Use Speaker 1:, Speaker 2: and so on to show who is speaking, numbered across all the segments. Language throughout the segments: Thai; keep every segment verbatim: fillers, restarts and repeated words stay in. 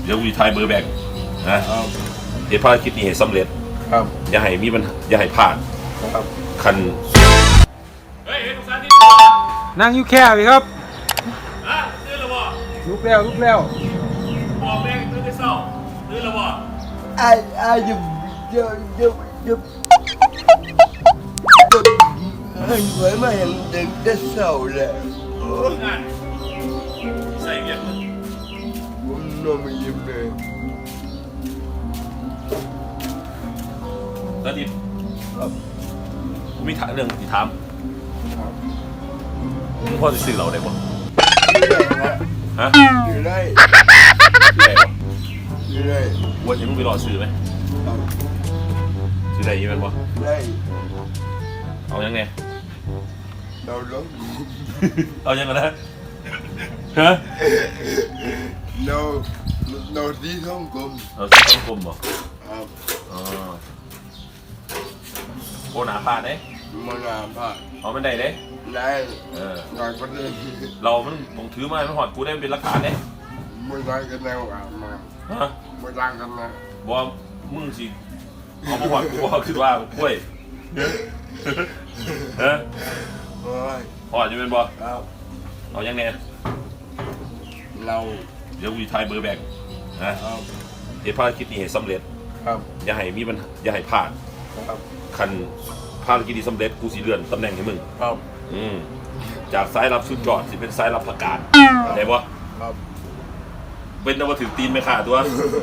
Speaker 1: ดี๋ยววีทายเบอร์แบงนะเดี๋ยวภารกิจนี้ให้สำเร็จ
Speaker 2: ครับ
Speaker 1: อย่าให้มีปัญหาอย่าให้พลาด
Speaker 2: ครับ
Speaker 1: คันเฮ้ยทุกท่านที่
Speaker 2: นั่งอยู่แค่พี่ครับ
Speaker 1: อ่ะตื่นแล้วบ่
Speaker 2: ลุกแล้วลุกแล้ว
Speaker 1: บอกแม่ตื่นแต่เช้าตื่นแล้วบ่
Speaker 3: ไอ้ไอ้ยุบยุบยุบยุบเฮ้ยไว้มาเห็นเด็กได้เศร้าแล้ว
Speaker 1: งานใส่เงี้ยมึง
Speaker 3: ผมนอนไม่ยิ้มเลย
Speaker 1: ตอนนี้กูมีถามเรื่องที่ถามมึงพ่อจะซื้อเราได้บ่ฮะ
Speaker 3: อยู่ได้อยู่ได้
Speaker 1: วันนี้มึงไปรอซื้อไหมซื้อได้ยังไงบ่
Speaker 3: ได้
Speaker 1: เอายังไง
Speaker 3: เราล้ม
Speaker 1: เอายังไงนะฮะ
Speaker 3: เราเราที่ท้องกลม
Speaker 1: เราที่ท้องกลมบ่
Speaker 3: ครับ
Speaker 1: อ๋อโคหนาผ่านเด้
Speaker 3: มันหนาผ่าน
Speaker 1: เอามันได้เด้
Speaker 3: ได้
Speaker 1: เออ
Speaker 3: หน่อยก็ได้
Speaker 1: เรามันต้องถือมาไม่หอดกูได้เป็นหลักฐานเด้
Speaker 3: ไม่ได้กันแล้วอ่ะมา
Speaker 1: ฮะ
Speaker 3: ไม่ได้กันนะ
Speaker 1: บอกมึงสิเอามาหอดกูบอกคือว่าคุ้ยฮะหอดจะเป็นบ่เอายังไง
Speaker 3: เรา
Speaker 1: เดี๋ยววีทายเบอร์แบงนะเดี๋ยวภารกิจนี้ให้สำเร็จอย่าให้มีปัญหาอย่าให้พลาดคันภารกิจนี้สำเร็จกูสิเลื่อนตำแหน่งให้มึงอืมจากสายรับสุดยอดสิเป็นสายรับประกาศได้ปะเป็นนวัตถุตีนไม่ขาดตัว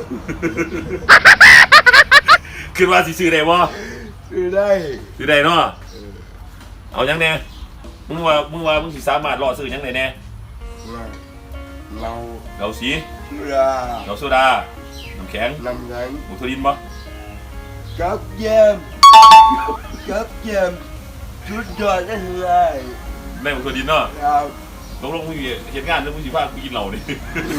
Speaker 1: คือว่าสิซื้อได้ปะ
Speaker 3: ซื้อได้
Speaker 1: ซื้อได้เนาะเอายังแน่มึงว่ามึงว่ามึงสิสามารถรอซื้อยังไงแน่
Speaker 3: เรา
Speaker 1: เราสี
Speaker 3: โซดา
Speaker 1: เราโซดาน้ำแข็ง
Speaker 3: น้ำแข็ง
Speaker 1: หมูทดินปะ
Speaker 3: กับแยมกับแยมชุดยอดได้เลย
Speaker 1: แม่หมูทดินเนาะ
Speaker 3: ครับ
Speaker 1: ลงลงมึงเห็นงานแล้วมึงสิพากูกินเหล้าดิ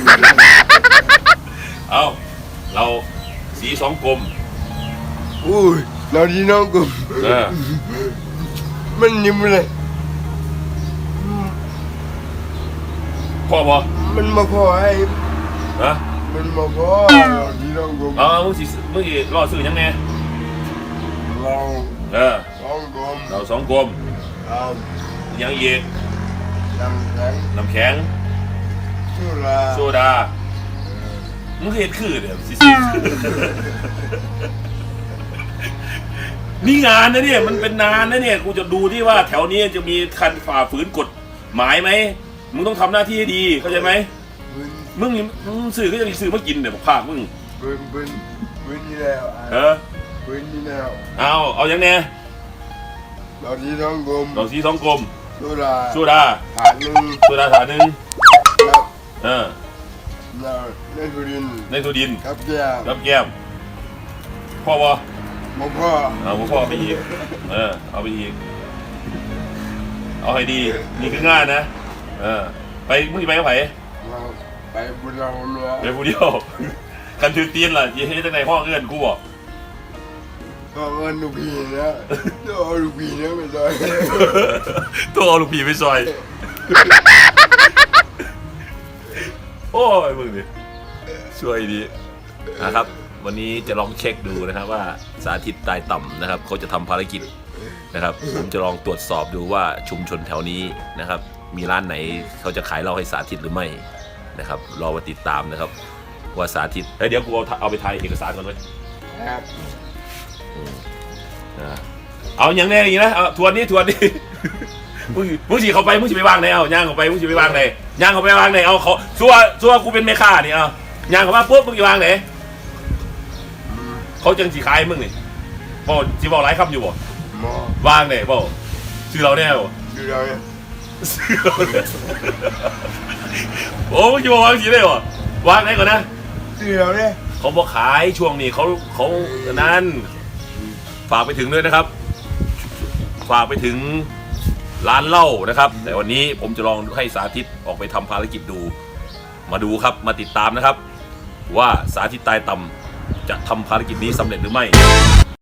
Speaker 1: เอาเราสีสองกลม
Speaker 3: อุ้ยเราดีน้องกลมมันยิ้มเลย
Speaker 1: พ่อบ่
Speaker 3: มันมาพอไอ้
Speaker 1: ฮะ
Speaker 3: มันมาพอเราดีน้องกลม
Speaker 1: อ๋อมึงสิมึงสิรอซื้อยังไง
Speaker 3: เรา
Speaker 1: เออ
Speaker 3: สองกลม
Speaker 1: เราสองกลมยังอีก
Speaker 3: น้ำแข็ง
Speaker 1: น้ำแข็ง
Speaker 3: โซดา
Speaker 1: โซดามึงเห็นคือเดี๋ยวสินี่งานนะเนี่ยมันเป็นนานนะเนี่ยกูจะดูที่ว่าแถวนี้จะมีคันฝ่าฝืนกฎหมายไหมมึงต้องทำหน้าที่ให้ดีเข้าใจไหมมึงมึงสื่อก็จะมีสื่อมากินเนี่ยภาคมึง
Speaker 3: ปืนปืนปืนนี่แล้ว
Speaker 1: เออ
Speaker 3: ปืนนี่แล้ว
Speaker 1: เอาเอาอย่างเนี้ย
Speaker 3: เราสีทองกลม
Speaker 1: เราสีทองกลม
Speaker 3: โซดา
Speaker 1: โซดา
Speaker 3: ถาดหนึ่ง
Speaker 1: โซดาถาดหนึ่งเออ
Speaker 3: ในตัวดิน
Speaker 1: ในตัวดิน
Speaker 3: ครับแก้ม
Speaker 1: ครับแก้มพ่อวะ
Speaker 3: พ่อพ่อ
Speaker 1: เอาพ่อไปอีกเออเอาไปอีกเอาให้ดีนี่คืองานนะเออไปมึงไปกับไผ
Speaker 3: ไปบุญเราเนาะ
Speaker 1: ไปบุญเดียวกันถือตีนล่ะยี่ให้ตั้งในห้องเอื้อนกูบอก
Speaker 3: ก็เงินลูกพี่นะตัวเอาลูกพี่นะไปซอย
Speaker 1: ตัวเอาลูกพี่ไปซอยโอ้ยมึงดิช่วยดีนะครับวันนี้จะลองเช็คดูนะครับว่าสาธิตตายต่ำนะครับเขาจะทำภารกิจนะครับผมจะลองตรวจสอบดูว่าชุมชนแถวนี้นะครับมีร้านไหนเขาจะขายเหล้าให้สาธิตหรือไม่นะครับรอมาติดตามนะครับว่าสาธิตเฮ้ยเดี๋ยวกูเอาเอาไปถ่ายเอกสารก่อนไว้
Speaker 3: ครับ
Speaker 1: เอาอย่างแน่อย่างนี้นะเอาทวนนี้ทวนนี้มึงมึงสิเข้าไปมึงสิไปวางไหนเอาย่างเข้าไปมึงสิไปวางไหนย่างเข้าไปวางไหนเอาเขาซัวซัวกูเป็นแม่ค้านี่เอาย่างเข้ามาปุ๊บมึงสิวางไหนเขาจังสิขายมึงนี่บ่สิบอกหลายคำอยู่บ่วางไหนบ่ชื่อเราแน่บ่
Speaker 3: ชื่อเราเนี่ย
Speaker 1: โอ้มึงจะบอกวางสิได้บ่วางไหนก่อนนะ
Speaker 3: ชื่อเราเนี่ย
Speaker 1: เขาบอกขายช่วงนี้เขาเขานั้นฝากไปถึงด้วยนะครับฝากไปถึงร้านเหล้านะครับแต่วันนี้ผมจะลองให้สาธิตออกไปทำภารกิจดูมาดูครับมาติดตามนะครับว่าสาธิตตายต่ำจะทำภารกิจนี้สำเร็จหรือไม่